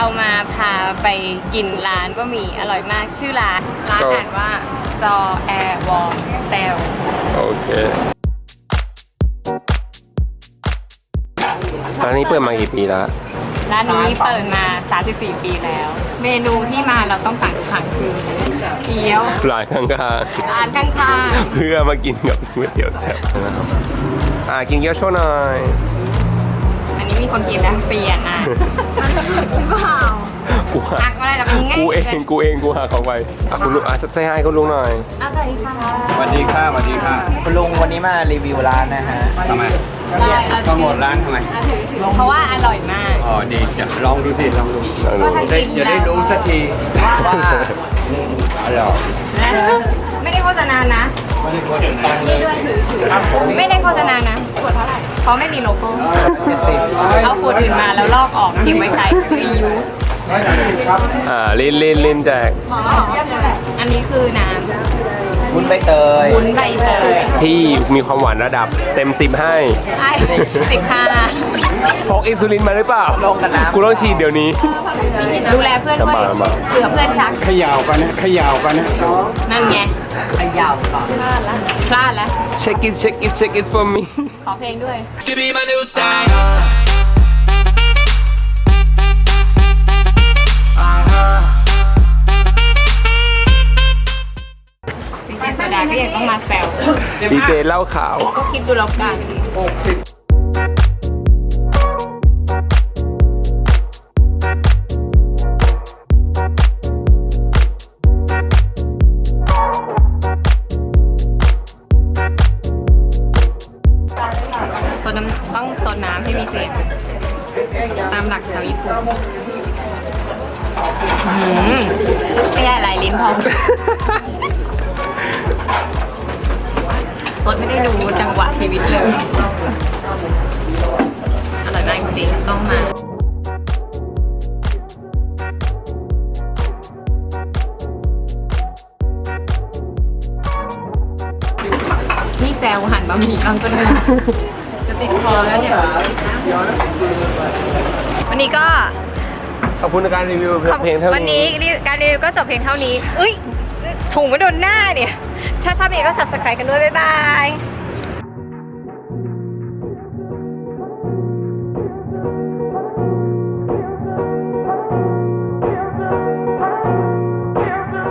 มาพาไปกินร้านบะหมี่อร่อยมากชื่อร้านอ่านว่าซอแอร์วอลเซลโอเคร้านนี้เปิดมากี่ปีแล้วร้านนี้เปิดมา 34 ปีแล้ว เมนูที่มาเราต้องสั่งทุกครั้งคือเกี๊ยวร้านข้างร้านข้างๆเพื่อมากินกับก๋วยเตี๋ยวแซ่บนะครับกินเกี๊ยวโชว์หน่อยๆอันนี้มีคนกินแล้วเปลี่ยนอ่ะเปล่ากูหัหักกอะไรล่ะเป็นไงกูเองกูหักเขาไปคุณลุงใส่ให้คุณลุงหน่อยอะไรค่ะสวัสดีค่ะสวัสดีค่ะคุณลุงวันนี้มารีวิวร้านนะฮะทำไมได้ต้องหมดร้านทำไมเพราะว่าอร่อยมากอ๋อดีจะลองดูสิลองดูก็ถ้ากินจะได้รู้สักทีว่าอร่อยไม่ได้โฆษณานะนี่ด้วยถือไม่ได้โฆษณานะขวดเท่าไหร่เพราะไม่มีโลโก้เอาขวดอื่นมาแล้วลอกออกเก็บไว้ใช้ reuse ลินแจกอันนี้คือน้วุ้นใบเตยำวุ้นใบเตยที่มีความหวานระดับเต็ม10ให้ไอ้15 พกอินซูลินมาหรือเปล่าลงกันน้ำกูต้องฉีดเดี๋ยวนี้ดูแลเพื่อนด้วยมาเผื่อเพื่อนชักขยาวกันนะขยาวกันนะนั่นไงขยาวก่อนพลาดแล้ว check it for me ขอเพลงด้วย To be my new thing. จริงๆโซดาก็ยังต้องมาแซวดีเจเหล้าขาวก็คิดดูแล้วกันโซดน้ำต้องโซดน้ำให้มีเสียงตามหลักชาวญี่ปุ่นไม่ได้หลายลิ้นพอโซดไม่ได้ดูจังหวะชีวิตเลยอร่อยมากจริงๆต้องมานี่แซวหั่นบะหมี่กลางต้นเลยจะติดคอแล้วเนี่ยวันนี้ก็ขอบคุณในการรีวิวเพลงเท่านี้วันนี้การรีวิวก็จบเพียงเท่านี้เอ้ยถุงมาโดนหน้าเนี่ย ถ้าชอบเพลงก็ subscribe กันด้วย บ๊ายบาย